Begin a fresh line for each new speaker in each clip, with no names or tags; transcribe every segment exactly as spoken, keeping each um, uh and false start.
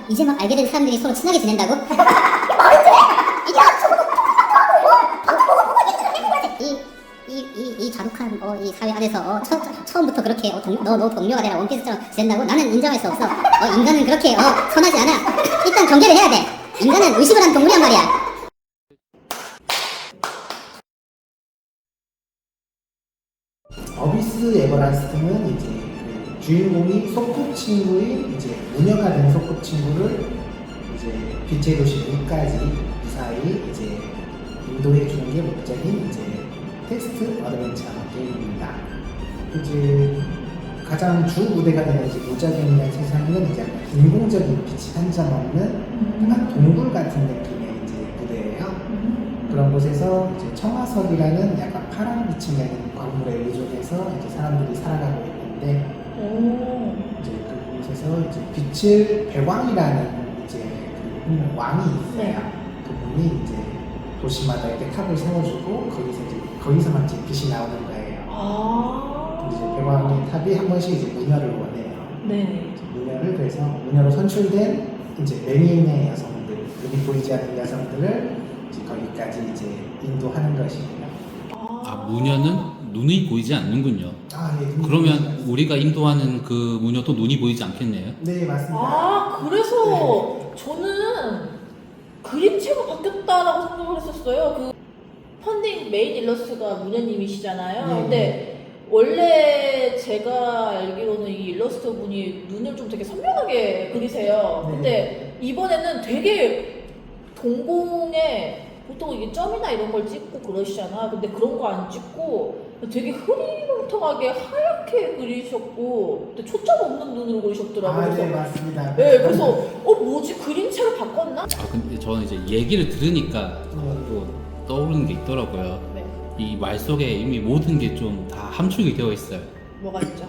이제 막 알게 된 사람들이 서로 친하게 지낸다고? 이, 이, 이, 이 자국한 어, 이 사회 안에서 어, 처, 처음부터 그렇게 어, 동, 너, 너 동료가 되라 원피스처럼 지낸다고? 나는 인정할 수 없어. 어, 인간은 그렇게 어, 선하지 않아. 일단 경계를 해야 돼. 인간은 의식을 한 동물이란 말이야.
어비스 에버라스트는 이제 그 주인공이 소꿉친구인 이제 무녀가 된 소꿉친구를 이제 빛의 도시 문까지 무사히 이제 인도해 주는 게 목적인 이제 텍스트 어드벤처 게임입니다. 이제 가장 주 무대가 되는 이제 무적행이라는 세상에는 이제 약간 인공적인 빛이 한 점 없는 약간 동굴 같은 느낌의 이제 무대예요. 그런 곳에서 이제 청화석이라는 약간 파란 빛이 나는 광물에 의존해서 이제 사람들이 살아가고 있는데
오.
이제 그곳에서 이제 빛을 배왕이라는 이제 그 왕이 있어요.
네.
그분이 이제 도시마다 이렇게 탑을 세워주고 거기서 이제 거기서만 이제 빛이 나오는 거예요.
아.
이제 배왕의 탑이 한 번씩 이제 무녀를 원해요.
네.
무녀를 그래서 무녀로 선출된 이제 매니의 여성들, 눈이 보이지 않는 여성들을 이제 거기까지 이제 인도하는 것이고요.
아,
무녀는 눈이 보이지 않는군요.
아, 네. 눈이 보이지
그러면
않습니다.
우리가 인도하는 그 무녀도 눈이 보이지 않겠네요.
네, 맞습니다.
아, 그래서 저는 그림체가 바뀌었다라고 생각을 했었어요. 그 펀딩 메인 일러스트가 무녀님이시잖아요.
네.
근데 원래 제가 알기로는 이 일러스트 분이 눈을 좀 되게 선명하게 그리세요.
네.
근데 이번에는 되게 동공에 보통 이게 점이나 이런 걸 찍고 그러시잖아. 근데 그런 거 안 찍고 되게 흐리멍텅하게 하얗게 그리셨고, 근데 초점 없는 눈으로 그리셨더라고요.
아, 네,
그래서
맞습니다.
네, 그래서 어 뭐지 그림체를 바꿨나?
아 근데 저는 이제 얘기를 들으니까 또 떠오르는 게 있더라고요.
네,
이 말 속에 이미 모든 게 좀 다 함축이 되어 있어요.
뭐가 있죠?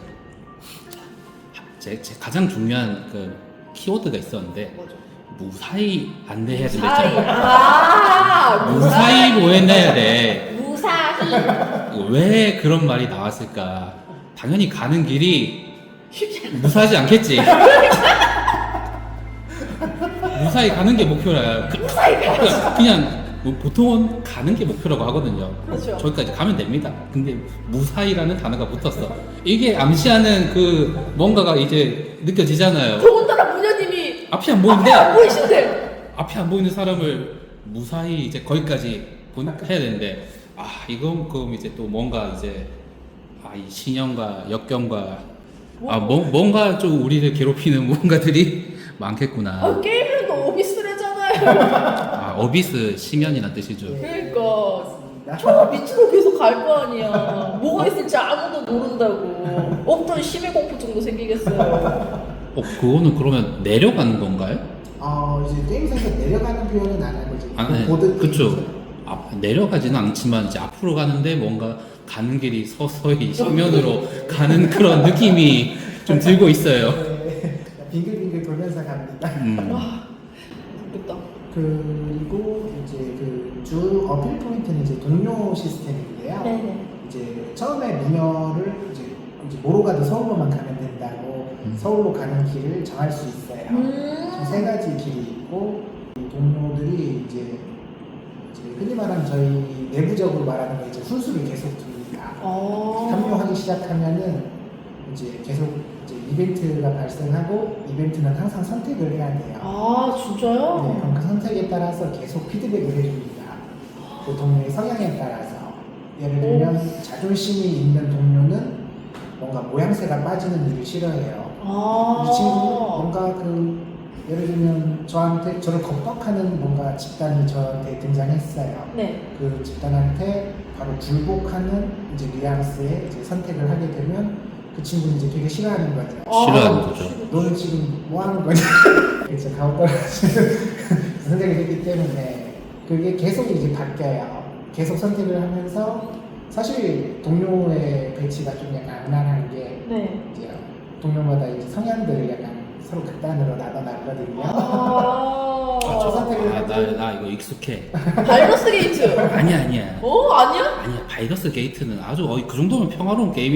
제, 제 가장 중요한 그 키워드가 있었는데
뭐죠?
무사히 안내해야
무사히.
된다.
아,
무사히 보내야 돼.
무사히.
왜 그런 말이 나왔을까? 당연히 가는 길이
쉽지 않아.
무사하지 않겠지. 무사히 가는 게 목표라.
무사히 가야지.
그냥 뭐 보통은 가는 게 목표라고 하거든요.
그렇죠.
저기까지 가면 됩니다. 근데 무사히라는 단어가 붙었어. 이게 암시하는 그 뭔가가 이제 느껴지잖아요.
더군다나 무녀님이
앞이 안
앞에
보이는데
안 보이신데.
앞이 안 보이는 사람을 무사히 이제 거기까지 본- 해야 되는데 아 이건 그럼 이제 또 뭔가 이제 아 이 신형과 역경과 아 뭐, 뭔가 좀 우리를 괴롭히는 무언가들이 많겠구나.
아, 게임은 또 오비스래잖아요.
아 어비스 심연이란 뜻이죠.
그러니까 저 밑으로 계속 갈 거 아니야. 뭐가 있을지 아무도 모른다고. 없던 심해 공포 정도 생기겠어요.
어 그거는 그러면 내려가는 건가요?
어, 이제 게임에서 내려가는 표현은 안 하고 이제
아,
그
네.
보드
그쵸.
게임에서.
아, 내려가지는 않지만 이제 앞으로 가는데 뭔가 가는 길이 서서히 심연으로 가는 그런 느낌이 좀 들고 있어요.
네, 빙글빙글 돌면서 갑니다.
음.
와, 모르겠다.
그리고 이제 그 주 어필 포인트는 이제 동료 시스템인데요.
네네.
이제 처음에 무녀를 이제, 이제 뭐로 가도 서울로만 가면 된다고
음.
서울로 가는 길을 정할 수 있어요.
음.
총 세 가지 길이 있고 이 동료들이 이제, 이제 흔히 말하는 저희 내부적으로 말하는 거 이제 훈수를 계속 둡니다.
어.
합류하기 시작하면은 이제 계속 이제 이벤트가 발생하고 이벤트는 항상 선택을 해야 돼요.
아, 진짜요?
네, 그럼 그 선택에 따라서 계속 피드백을 해줍니다. 그 동료의 성향에 따라서. 예를 들면 자존심이 있는 동료는 뭔가 모양새가 빠지는 일을 싫어해요.
아.
이 친구는 뭔가 그 예를 들면 저한테 저를 겁박하는 뭔가 집단이 저한테 등장했어요.
네.
그 집단한테 바로 굴복하는 이제 뉘앙스의 이제 선택을 하게 되면 그 친구는 이제 되게 싫어하는 거죠.
싫어하는
아,
거죠.
너는 지금 뭐 하는 거냐? 그래서 가오 떨어지는 선택을 했기 때문에 그게 계속 이제 바뀌어요. 계속 선택을 하면서 사실 동료의 배치가 좀 약간 악랄한 게
네.
이제 동료마다 이제 성향들을 약간 서로 극단으로 나눠놨거든요.
아.
아, 저,
선택을
아, 나, 나 이거 익숙해.
바이러스 게이트.
아니야, 아니야.
어, 아니야?
아니야, 바이러스 게이트는 아주, 어, 그 정도면 평화로운 게임이지.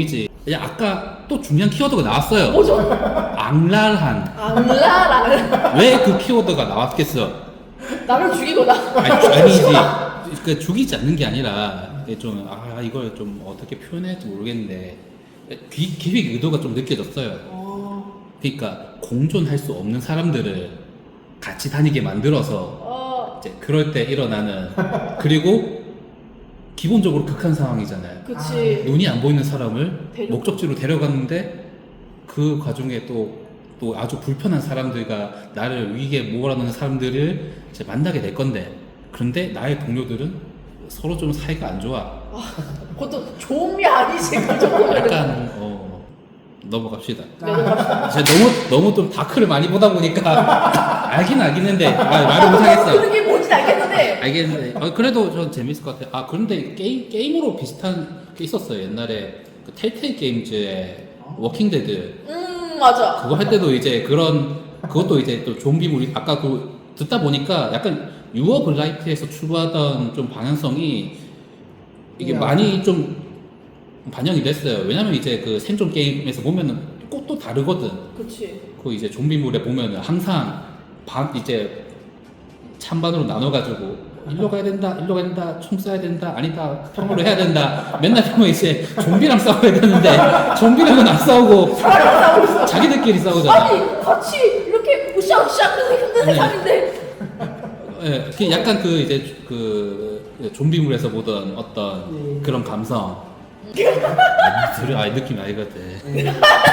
그냥 아까 또 중요한 키워드가 나왔어요.
뭐죠?
악랄한.
악랄한.
왜 그 키워드가 나왔겠어?
나를 죽이거나.
아니, 아니지. 그 죽이지 않는 게 아니라 이게 좀 아 이걸 좀 어떻게 표현할지 모르겠는데 기, 기획 의도가 좀 느껴졌어요.
어,
그러니까 공존할 수 없는 사람들을 같이 다니게 만들어서
어,
이제 그럴 때 일어나는 그리고 기본적으로 극한 상황이잖아요.
그치.
눈이 안 보이는 사람을
데려-
목적지로 데려갔는데 그 과정에 또, 또 아주 불편한 사람들과 나를 위기에 몰아넣는 사람들을 이제 만나게 될 건데 그런데 나의 동료들은 서로 좀 사이가 안 좋아.
그것도 좋은 게 아니지 그 정도면.
약간 어 넘어갑시다.
네, 넘어갑시다.
제가 너무 너무 좀 다크를 많이 보다 보니까 알긴 알겠는데 아, 말을 못하겠어.
그게 뭔지 알겠는데.
알겠는데 어, 그래도 전 재밌을 것 같아요. 아 그런데 게임 게임으로 비슷한 게 있었어요. 옛날에 그 텔테일 게임즈의 워킹 데드
음 맞아.
그거 할 때도 이제 그런 그것도 이제 또 좀비물이 아까 그 듣다 보니까 약간 유어 블라이트에서 추구하던 좀 방향성이 이게
네,
많이 좀 반영이 됐어요. 왜냐면 이제 그 생존 게임에서 보면은 꼭 또 다르거든.
그치.
그 이제 좀비물에 보면은 항상 반 이제 찬반으로 나눠가지고 일로 가야 된다, 일로 가야 된다, 총 쏴야 된다, 아니다, 평으로 해야 된다. 맨날 보면 이제 좀비랑 싸워야 되는데 좀비랑은 안 싸우고
사람이랑 싸우고 있어.
자기들끼리 싸우잖아.
아니 같이 이렇게 으쌰으쌰 하는 힘든
네.
세상인데.
예, 그 약간 그 이제 그 좀비물에서 보던 어떤
네.
그런 감성. 아, 들어, 아 느낌 알거든.
네.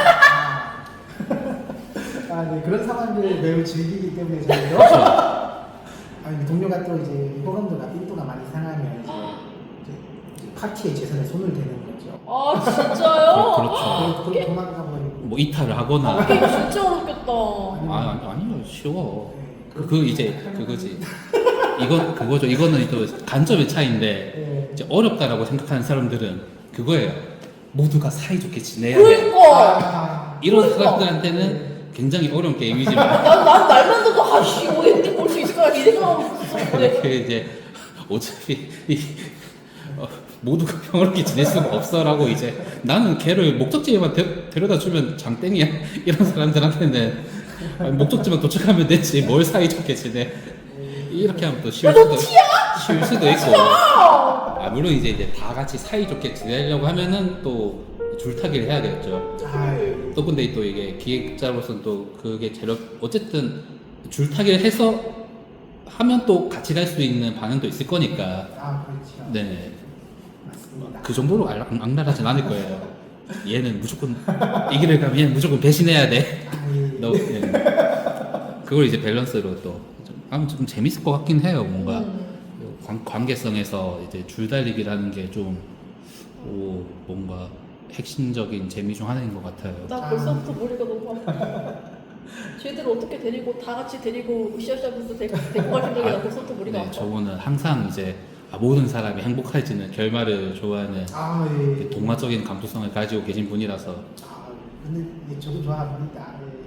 아, 네. 그런 상황들을 매우 즐기기 때문에 저희도
그렇죠.
아니, 동료가 또 이제 호감도가 삔또가 많이 상하면 이제, 이제 파티에 최선을 손을 대는 거죠.
아 진짜요?
그렇죠.
그리고 도망가 버리고.
뭐 이탈을 하거나.
게임 진짜 어렵겠다.
아 아니, 아니요 쉬워.
네.
그, 그 이제 그거지. 이건 그거죠. 이거는 또 관점의 차이인데
네.
이제 어렵다라고 생각하는 사람들은 그거예요. 모두가 사이좋게 지내야 돼.
그러니까.
아,
이런
그러니까.
사람들한테는 굉장히 어려운 게임이지만
난, 난 날만 돼도 아씨 이거 엔딩 볼 수 있을까 이 생각하고 있었는데.
그 이제 어차피 이, 어, 모두가 평화롭게 지낼 수가 없어라고 이제 나는 걔를 목적지에만 데, 데려다 주면 장땡이야 이런 사람들한테는 아니, 목적지만 도착하면 되지 뭘 사이좋게 지내 이렇게 하면 또 쉬울 수도 쉬울 수도 있고 아 물론 이제 이제 다 같이 사이좋게 지내려고 하면은 또 줄타기를 해야겠죠.
아, 네.
또 근데 또 이게 기획자로서는 또 그게 재력 어쨌든 줄타기를 해서 하면 또 같이 갈 수 있는 방향도 있을 거니까
아, 그렇죠.
네.
맞습니다.
그 정도로 악- 악랄하진 않을 거예요. 얘는 무조건 이기를 가면 얘는 무조건 배신해야 돼.
아, 예.
너, 네. 그걸 이제 밸런스로 또 좀, 아무튼 좀 재밌을 것 같긴 해요. 뭔가
음.
관, 관계성에서 이제 줄달리기라는 게 좀 오, 뭔가 핵심적인 재미 중 하나인 것 같아요.
나 벌써부터 머리가 너무 아파. 쟤들 어떻게 데리고 다 같이 데리고 으쌰으쌰하면서 데리고 갈 생각이 나 벌써부터 머리가
네,
아파.
저거는 항상 이제 아, 모든 사람이 행복해지는 결말을 좋아하는
아, 예.
동화적인 감수성을 가지고 계신 분이라서
아, 근데 예, 저도 좋아합니다.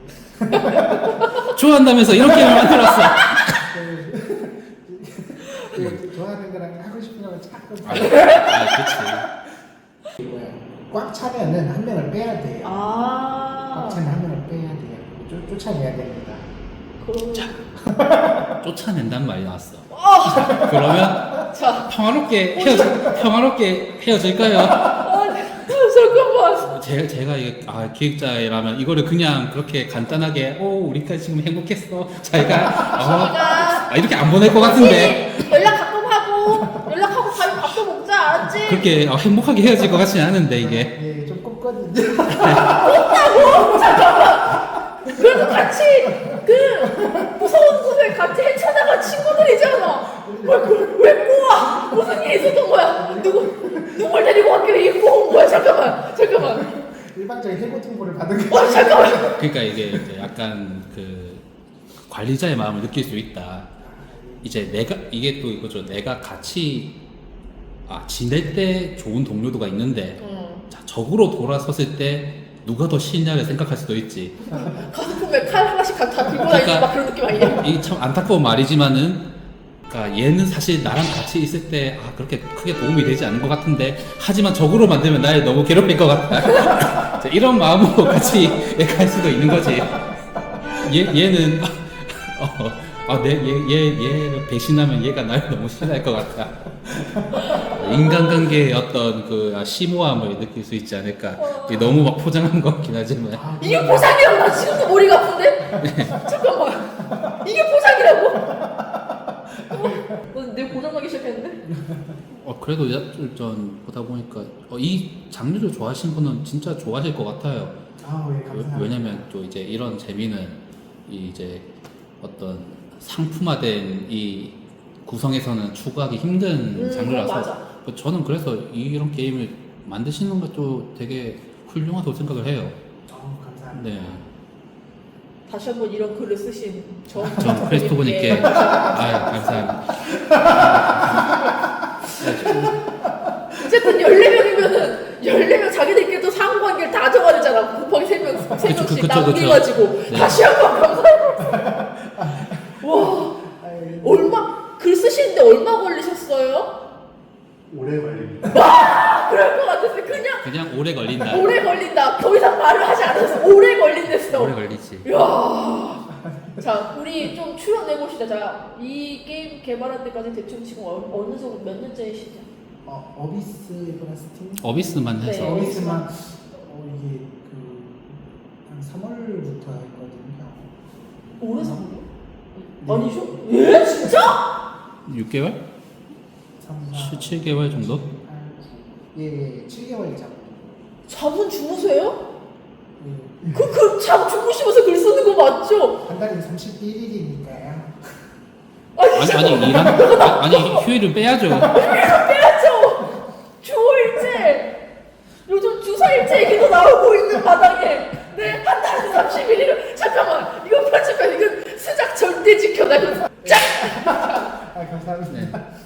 예.
좋아한다면서 이렇게 만들었어.
예, 예, 좋아하는 거랑 하고 싶은 거랑 자꾸
아, 아 그치.
뭐야. 꽉 차면은 한 명을 빼야 돼요.
아.
꽉 차면 한 명을 빼야 돼요. 쫓, 쫓아내야 됩니다.
그럼.
쫓아낸다는 말이 나왔어.
아.
그러면
자.
평화롭게 헤어져 평화롭게 헤어질까요?
아, 잠깐만.
제, 제가 이게 아, 기획자라면 이거를 그냥 그렇게 간단하게 오 우리까지 지금 행복했어 잘가 어,
가.
아, 이렇게 안 보낼 것 같은데
연락 가끔 하고 연락하고 가면 밥도 먹자 알았지?
그렇게 어, 행복하게 헤어질 것 같지는 않은데 이게
예, 좀 꼽거든요.
그래도 같이 그 무서운 곳을 같이 헤쳐나간 친구들이잖아. 왜, 그- 왜 꼬아? 무슨 일이 있었던 거야? 누구 누굴 데리고 왔길래 이 꼬은 거야? 잠깐만, 잠깐만.
일반적인 해고 통보를 받은 거.
어, 잠깐만.
그러니까 이게 이제 약간 그 관리자의 마음을 느낄 수 있다. 이제 내가 이게 또 이거죠. 내가 같이 아 지낼 때 좋은 동료도가 있는데
응.
자 적으로 돌아섰을 때 누가 더 싫냐를 생각할 수도 있지.
가슴 품에 칼 하나씩 다 들고 다니는 막 그런 느낌 아니야?
이 참 안타까운 말이지만은 그러니까 얘는 사실 나랑 같이 있을 때 아, 그렇게 크게 도움이 되지 않는 것 같은데 하지만 적으로 만들면 날 너무 괴롭힐 것 같다. 이런 마음으로 같이 갈 수도 있는 거지. 얘, 얘는 어, 아, 내, 얘, 얘, 얘를 배신하면 얘가 날 너무 싫어할 것 같다. 인간관계의 어떤 그 심오함을 느낄 수 있지 않을까. 이게 너무 막 포장한 것 같긴 하지만.
아,
이게 보상이라고? 나 지금도 머리가 아픈데? 잠깐만. 이게 보상이라고? 어, 내 고장나기 시작했는데?
어, 그래도 전 보다 보니까 어, 이 장르를 좋아하시는 분은 진짜 좋아하실 것 같아요.
아, 예, 감사합니다.
왜냐면 또 이제 이런 재미는 이 이제 어떤 상품화된 이 구성에서는 추구하기 힘든
음,
장르라서
맞아.
저는 그래서 이런 게임을 만드시는 것도 되게 훌륭하다고 생각을 해요.
어, 감사합니다.
네.
다시 한번 이런 글을 쓰신 저
전 크리스토퍼님께
예.
아 감사합니다.
어쨌든 열네 명이면은 열네 명 자기들끼리도 상관관계를 다 정해야 되잖아. 곱하기 세 명, 세
그쵸,
명씩
그쵸,
나누어가지고
네.
다시 한번 감사합니다. 와,
아유,
얼마 글 쓰시는데 얼마 걸리셨어요?
오래 걸립니다.
아, 그럴 것 같았어. 그냥
그냥 오래 걸린다.
오래 걸린다. 더 이상 말을 하지 않았어. 오래 걸린댔어.
오래 걸리지.
이야. 자, 우리 좀 출연해 봅시다. 자, 이 게임 개발할 때까지 대충 지금 어, 어느 정도 몇 년째이시죠?
어, 어비스 플러스팀?
어비스만 해서
네.
어비스만 어, 이게 그한 삼월부터 했거든요.
오래 사고요?
네.
아니죠? 예? 진짜?
육 개월?
삼, 사,
칠, 칠 개월 정도?
팔, 구. 예, 예, 칠 개월 잡고.
잠은 주무세요?
예.
그, 그, 잠 주무시면서 글 쓰는 거 맞죠?
한 달에 삼십일 일이니까요.
아니,
아니
잠깐만.
아니 일한 아니 휴일을 빼야죠.
빼야죠! 주오일제! 요즘 주사일제 얘기도 나오고 있는 바닥에 네, 한 달에 삼십일 일을 잠깐만! 이거 편집해. 이건 수작 절대 지켜라. 이거 짝!
아, 감사합니다.
네.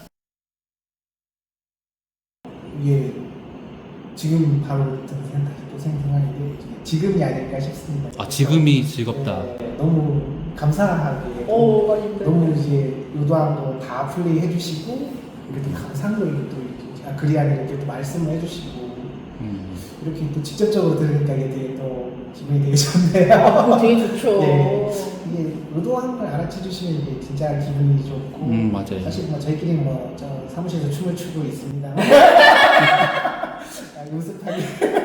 이게 지금 바로 든 생각이 또 생각하는데 지금이 아닐까 싶습니다.
아 지금이 즐겁다.
네, 너무 감사하게
오, 아닌데.
너무 이제 의도한 거 다 플레이 해주시고 이렇게 또 감상도 이렇게 또 이렇게 아, 글이 아니라 이렇게 또 말씀을 해주시고
음.
이렇게 또 직접적으로 들으니까 이게 되게 또 기분이 되게 좋네요.
그거 되게 좋죠.
네, 이게 의도한 걸 알아채 주시면 이게 진짜 기분이 좋고
음, 맞아요.
사실 뭐 저희끼리 뭐 저 사무실에서 춤을 추고 있습니다. 아, 연습하기.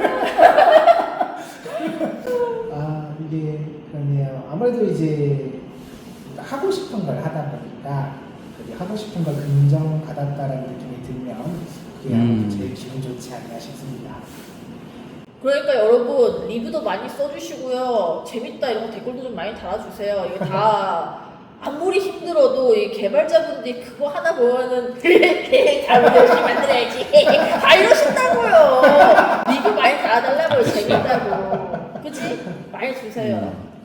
아 이게 그러네요. 아무래도 이제 하고 싶은 걸 하다 보니까 그게 하고 싶은 걸 긍정받았다라는 느낌이 들면 그게 아무래도
음.
제일 기분 좋지 않나 싶습니다.
그러니까 여러분 리뷰도 많이 써주시고요. 재밌다 이런 거 댓글도 좀 많이 달아주세요. 이게 다 아무리 힘들어도 이 개발자분들이 그거 하나 보면은 다음에 열심히 만들어야지 다 이러신다고요. 리뷰 많이 달아달라고요. 재밌다고. 그치? 많이 주세요.
음.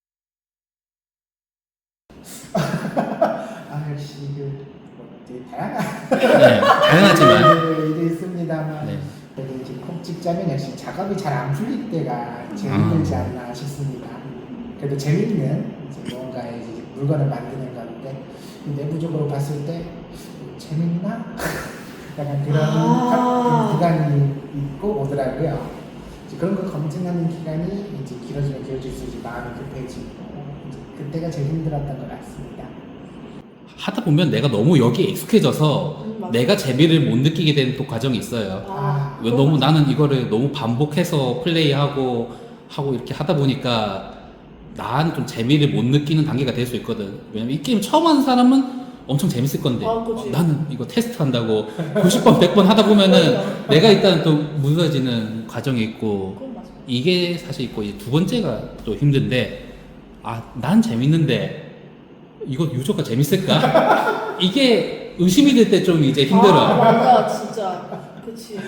아 역시 그뭐 되게 다양한
네, 다양하지만
일이 있습니다만
네.
그래도 이제 콕 찍자면 역시 작업이 잘 안 풀릴 때가 제일
아.
힘들지 않나 싶습니다. 그래도 재밌는 이제 뭔가의 이제 물건을 만드는 건데 내부적으로 봤을 때 재밌나? 약간 그런
아.
구간이 있고 오더라고요. 이제 그런 걸 검증하는 기간이 이제 길어지면 길어질수록 이제 마음이 급해지고 이제 그때가 제일 힘들었던 것 같습니다.
하다 보면 내가 너무 여기에 익숙해져서
음, 맞아.
내가 재미를 못 느끼게 되는 또 과정이 있어요.
아,
왜 너무 나는 이거를 너무 반복해서 플레이하고 하고 이렇게 하다 보니까 나는 좀 재미를 못 느끼는 단계가 될 수 있거든. 왜냐면 이 게임 처음 하는 사람은 엄청 재밌을 건데
아, 그치.
어, 나는 이거 테스트 한다고 구십 번, 백 번 하다 보면은 내가 일단 또 무너지는 과정이 있고
그건 맞아.
이게 사실 있고 이제 두 번째가 또 힘든데 아 난 재밌는데 이거 유저가 재밌을까? 이게 의심이 될 때 좀 이제 힘들어.
아, 맞아, 진짜. 그치.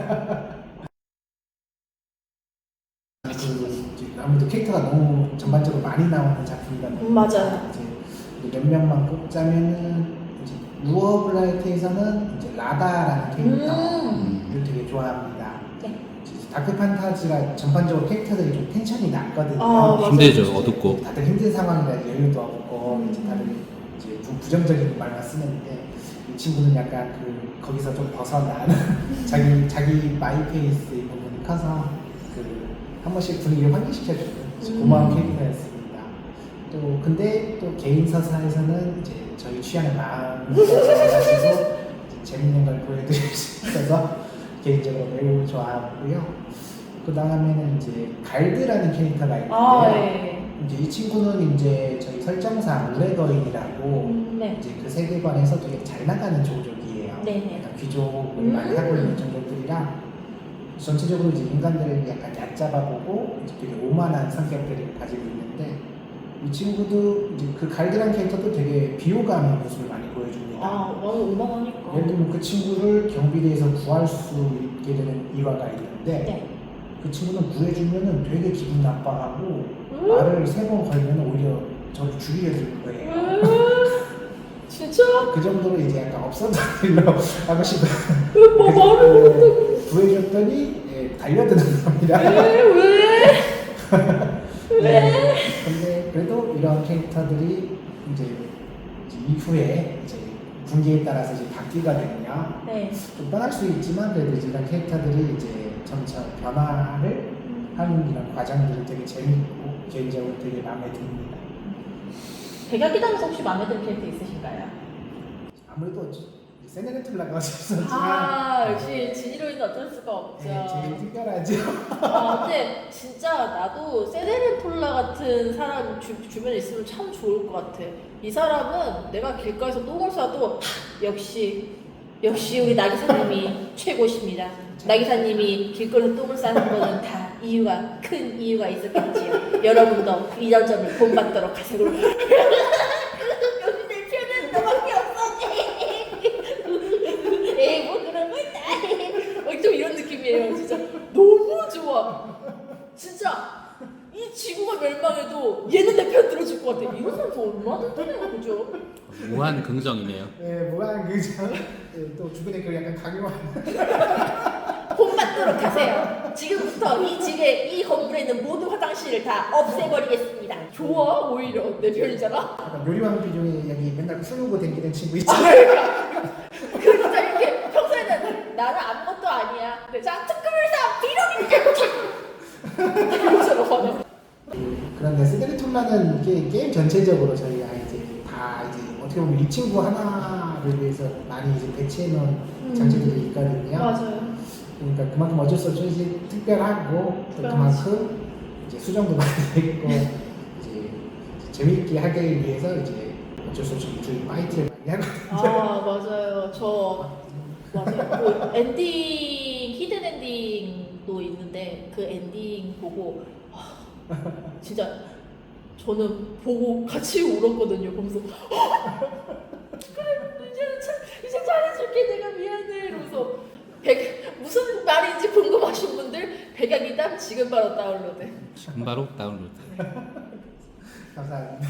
그 이제 아무래도 캐릭터가 너무 전반적으로 많이 나오는 작품이다 보니까
음, 맞아요.
이제 몇 명만 꼽자면은 이제 루어블라이트에서는 이제 라다라는 캐릭터를
음.
되게 좋아합니다.
네.
이제 다크 판타지가 전반적으로 캐릭터들이 좀 텐션이 낮거든요.
아, 맞아요.
힘들죠, 어둡고.
다들 힘든 상황이라 여유도 없고 이제 다들 이제 좀 부정적인 말만 쓰는데 이 친구는 약간 그 거기서 좀 벗어난 자기 자기 마이페이스의 부분이 커서 그 한 번씩 분위기를 환기시켜주는
음.
고마운 캐릭터였습니다. 또 근데 또 개인 서사에서는 이제 저희 취향을 마음을 가지고 재밌는 걸 보여드릴 수 있어서 개인적으로 매우 좋아하고요. 그 다음에는 이제 갈드라는 캐릭터가 있는데요.
아, 네.
이제 이 친구는 이제 저희 설정상 우레거인이라고
음, 네.
이제 그 세계관에서 되게 잘 나가는 종족이에요.
네네.
약간 귀족을
음.
많이 하고 있는 종족들이라 전체적으로 이제 인간들을 약간 얕잡아보고 이제 되게 오만한 성격들을 가지고 있는데 이 친구도 이제 그 갈드란 캐릭터도 되게 비호감의 모습을 많이 보여줍니다.
아, 너무 오만하니까.
예를 들면 그 친구를 경비대에서 구할 수 있게 되는 일화가 있는데
네.
그 친구는 구해주면은 되게 기분 나빠하고
음?
말을 세 번 걸면 오히려 저를 죽이려 들 거예요.
음, 진짜?
그 정도로 이제 약간 없어도 일로 하고 싶어.
뭐 말을
구해줬더니 예, 달려드는 겁니다.
왜? 왜? 왜?
네, 근데 그래도 이런 캐릭터들이 이제 이후에 이제 분기에 따라서 이제 바뀌거든요.
네.
좀 뻔할 수 있지만 그래도 이제 이런 캐릭터들이 이제 점차 변화를 하는 이런 과정들이 되게 재밌고 개인적으로 되게 마음에 듭니다.
백야기당에서 혹시 마음에 드는 캐릭터 있으신가요?
아무래도 세네르툴라가 없었지만
아, 역시 진이로이는 어쩔 수가 없죠.
네, 제일 특별하죠.
아, 근데 진짜 나도 세데르톨라 같은 사람 주, 주변에 있으면 참 좋을 것 같아. 이 사람은 내가 길가에서 똥을 싸도 하, 역시 역시 우리 나기사님이 최고십니다. 나기사님이 길거리에서 똥을 싸는 거는 다 이유가 큰 이유가 있었겠지요. 여러분도 이런 점을 본받도록 하세요. 여기 내 편은 너밖에 없어. 에이 뭐 그런 거 있다. 어, 좀 이런 느낌이에요. 진짜 너무 좋아. 진짜 이 지구가 멸망해도 얘는 내 편 들어줄 것 같아. 이런 사람 저 얼마나 든든해요, 그죠?
무한 긍정이네요.
네, 뭐한 그죠? 네, 또 주변에 그 약간 강요한
본받도록 하세요. 지금부터 이 집에 이 건물에 있는 모든 화장실을 다 없애버리겠습니다. 좋아 오히려 내 편이잖아.
약간 요리왕 비중이 여기 맨날 풀고 다니는 친구
아,
있잖아요.
그러니까 그 진짜 이렇게 평소에는 나는 아무것도 아니야. 근데 자 특급을 사 비룡이 이러잖아.
그런데 세데르툴라는 게 게임 전체적으로 저희가 이제 다 이제 어떻게 보면 이 친구 하나를 위해서 많이 이제 배치해 놓은
음.
장치들이 있거든요.
맞아요.
그러니까 그만큼 어쩔 수 없이 이제 특별하고 또
특별하지.
그만큼 이제 수정도 많이 됐고 이제 재미있게 하기 위해서 이제 어쩔 수 없이 좀 파이트를 많이 하거든요.
아 맞아요. 저 맞아요. 그 엔딩 히든 엔딩도 있는데 그 엔딩 보고 아, 진짜 저는 보고 같이 울었거든요. 보면서 그래 이제는 참 이제 잘해줄게 내가 미안해 이러면서 백 무슨 말인지 궁금하신 분들 백야기당 지금 바로 다운로드.
지금 바로 다운로드.
감사합니다.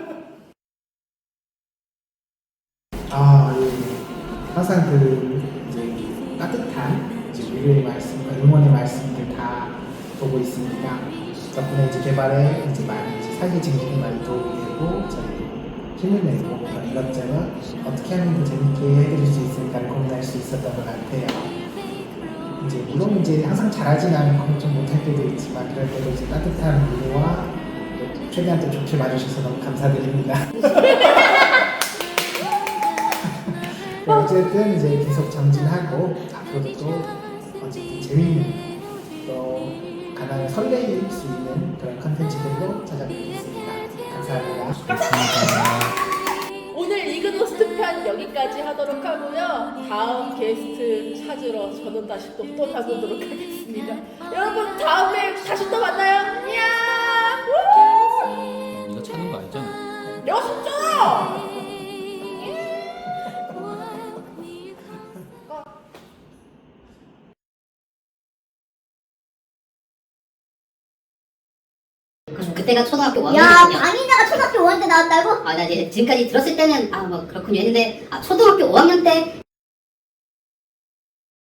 아, 예. 항상 그 이제 따뜻한 이제 위로의 말씀과 응원의 말씀들 다 보고 있습니다. 덕분에 이제 개발에 이제 많이 이제 사기 증진에 많이 도움이 되고 저희 힘을 내고 이것저것 어떻게 하면 더 재밌게 해드릴 수 있을까를 고민할 수 있었던 것 같아요. 이제 물론 이제 항상 잘하진 않고 좀 못할 때도 있지만 그럴 때도 이제 따뜻한 위로와 또 최대한 또 좋게 봐주셔서 너무 감사드립니다. 네, 어쨌든 이제 계속 정진하고 앞으로도 또 어쨌든 재밌는 또 가난을 설레일 수 있는 그런 컨텐츠들로 찾아뵙겠습니다. 감사합니다.
감사합니다.
오늘 이그노스트 편 여기까지 하도록 하고요. 다음 게스트 찾으러 저는 다시 또 떠나보도록 하겠습니다. 여러분 다음에 다시 또 만나요. 안녕. 우!
이거 찾는 거 알잖아.
내가 진짜.
그때가 초등학교 오
야,
학년이거든요.
방인자가 초등학교 오 학년 때 나왔다고?
아, 나 이제 지금까지 들었을 때는 아 뭐 그렇군요 했는데 아 초등학교 오 학년 때